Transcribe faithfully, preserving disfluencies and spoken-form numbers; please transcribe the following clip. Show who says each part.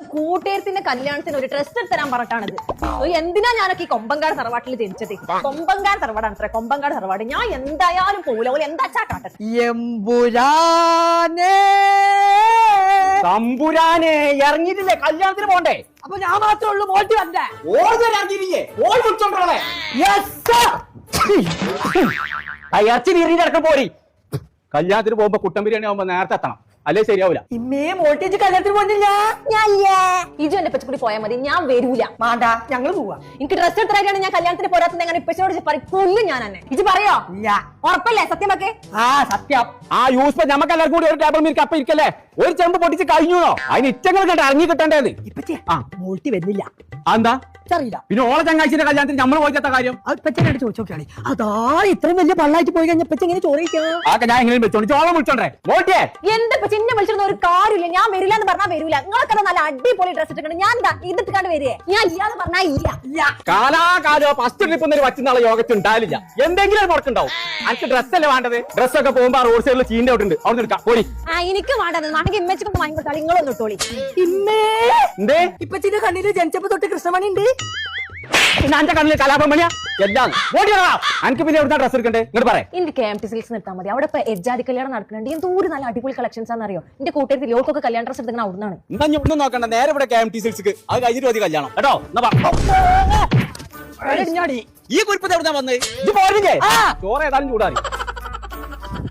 Speaker 1: കൂട്ടുകാരത്തിന്റെ കല്യാണത്തിന് ഒരു ഡ്രസ് എടുത്ത് തരാൻ പറഞ്ഞിട്ടാണിത്. എന്തിനാ ഞാനൊക്കെ ഈ കൊമ്പങ്കാട് തറവാട്ടിൽ ജനിച്ചത്? കൊമ്പങ്കാട് തറവാടാണ് അത്ര കൊമ്പങ്കാട് തറവാട്. ഞാൻ എന്തായാലും പോകില്ല. ഓല് എന്താച്ചാ കാട്ടത്.
Speaker 2: എമ്പുരാനെ
Speaker 3: തമ്പുരാനെ ഇറങ്ങിയിട്ടില്ലേ? കല്യാണത്തിന് പോണ്ടേ?
Speaker 2: അപ്പൊ ഞാൻ മാത്രമേ ഉള്ളൂ മോട്ടി വന്നേ.
Speaker 3: ഓർമ്മയിറങ്ങിയില്ലേ? ഓൾ വിളിച്ചോണ്ടോളെ ഇറച്ചി വീറിന്റെ ഇടക്കം പോരി. കല്യാണത്തിന് പോകുമ്പോ കുട്ടൻ ബിരിയാണി ആവുമ്പോ നേരത്തെ എത്തണം, അല്ലേ ശരിയാവൂല.
Speaker 2: ഇമ്മേ മോട്ടിച്ച് കല്യാണത്തിന് പോകുന്നില്ല.
Speaker 1: ഇജു എന്റെ പച്ചക്കൂടി പോയാൽ മതി, ഞാൻ വരൂല.
Speaker 2: മാണ്ട ഞങ്ങള് പോവാ.
Speaker 1: എനിക്ക് ഡ്രസ് എടുത്തിട്ടാണ് ഞാൻ കല്യാണത്തിന് പോരാത്തത്. അങ്ങനെ ഇപ്പച്ചോട് കൊല്ലും ഞാൻ തന്നെ. ഇജ് പറയോ?
Speaker 2: ഇല്ല.
Speaker 1: ഉറപ്പല്ലേ? സത്യമൊക്കെ
Speaker 2: ആ സത്യം.
Speaker 3: ആ യൂസ് ഞമ്മക്ക് എല്ലാവർക്കും കൂടി ഒരു ടേബിൾ മീർക്ക് അപ്പൊ ഇരിക്കല്ലേ? ഒരു ചെമ്പ് പൊട്ടിച്ച് കഴിഞ്ഞോ? അതിന് ഇറ്റങ്ങൾ കണ്ട് ഇറങ്ങി കിട്ടേണ്ടത്.
Speaker 2: ഇപ്പച്ചേ മോട്ടി വരുന്നില്ല.
Speaker 3: എന്താ
Speaker 2: അറിയില്ല.
Speaker 3: പിന്നെ ഓളെ ചങ്ങാഴ്ചയുടെ കല്യാണത്തിന് നമ്മൾ പോയിക്കാത്ത കാര്യം
Speaker 2: ഇപ്പച്ചനോട് ചോദിച്ചു നോക്കിയാളി. അതാ ഇത്രയും വലിയ പള്ളായിട്ട് പോയി കഴിഞ്ഞ ഇപ്പച്ച എങ്ങനെ ചോദിക്കാം?
Speaker 3: ആക്കെ ഞാൻ എങ്ങനെ വെച്ചോണ്ട് ചോളം വിളിച്ചോണ്ടേ മോട്ടിയെ.
Speaker 1: എന്റെ ചിന്നെ വിളിച്ചിരുന്ന ഒരു കാര്യമില്ല. ഞാൻ വരില്ല എന്ന് പറഞ്ഞാൽ വരൂല. നിങ്ങളൊക്കെ നല്ല അടിപൊളി ഡ്രസ് ഇട്ടിട്ടുണ്ട്. ഞാൻ എന്താ ഇതിട്ടിക്കാണ്ട് വരികയെ? ഞാൻ ഇല്ലാന്ന് പറഞ്ഞാൽ ഇല്ല.
Speaker 3: കാലാകാലോ ഫസ്റ്റ് ട്രിപ്പ് എന്നൊരു വച്ചുനാളെ യോഗത്തിൽ ഉണ്ടാവില്ല. എന്തെങ്കിലും ഒരു മുടക്കുണ്ടാവും. എനിക്ക് ഡ്രസ്സല്ലേ വേണ്ടത്? ഡ്രസ്സൊക്കെ പോകുമ്പോ റോഡ് സൈഡിൽ ചീന്റെ ഔട്ടുണ്ട്, അവിടെ എടുക്കാം പോയി.
Speaker 1: ആ എനിക്ക് വേണ്ടത് നാണെങ്കിൽ ഇമ്മച്ചിക്കൊന്ന് വാങ്ങി കൊടുത്താൽ നിങ്ങളൊന്ന് ഇട്ടോളി.
Speaker 2: ഇമ്മേ
Speaker 3: എന്തേ
Speaker 2: ഇപ്പച്ചിന്റെ കണ്ണില് ജനിച്ചപ്പോ തൊട്ട് കൃഷ്ണമണി ഉണ്ട്.
Speaker 3: പിന്നെ എന്റെ കണ്ണിൽ കലാപമണിയാ എല്ലാം ഓടിയാ. എനിക്ക് പിന്നെ എവിടുന്ന ഡ്രസ് എടുക്കണ്ടേ? ഇങ്ങോട്ട് പറയാം.
Speaker 1: എനിക്ക് കെ എം ടി സിൽസ് നിർത്താൻ മതി. അവിടെ ഇപ്പൊ എജ്ജാതി കല്യാണം നടക്കുന്നുണ്ട്. എന്തോര് നല്ല അടിപൊളി കളക്ഷൻസ് ആണെന്നറിയോ? എന്റെ കൂട്ടുകാരി ലോക്കൊക്കെ കല്യാണ ഡ്രസ് എടുക്കുന്ന അവിടുന്നാണ്.
Speaker 3: എന്നാ ഞാൻ ഒന്നും നോക്കണ്ട, നേരെ ഇവിടെ കെ എം ടി സിൽസ്. അത് കഴിഞ്ഞിട്ട് മതി കല്യാണം കേട്ടോ. ഈ കുരിപ്പത്തെ എവിടുന്നാ വന്നത്? ഇത് പോരില്ലേ? ചോറ് ഏതായാലും ചൂടാറി.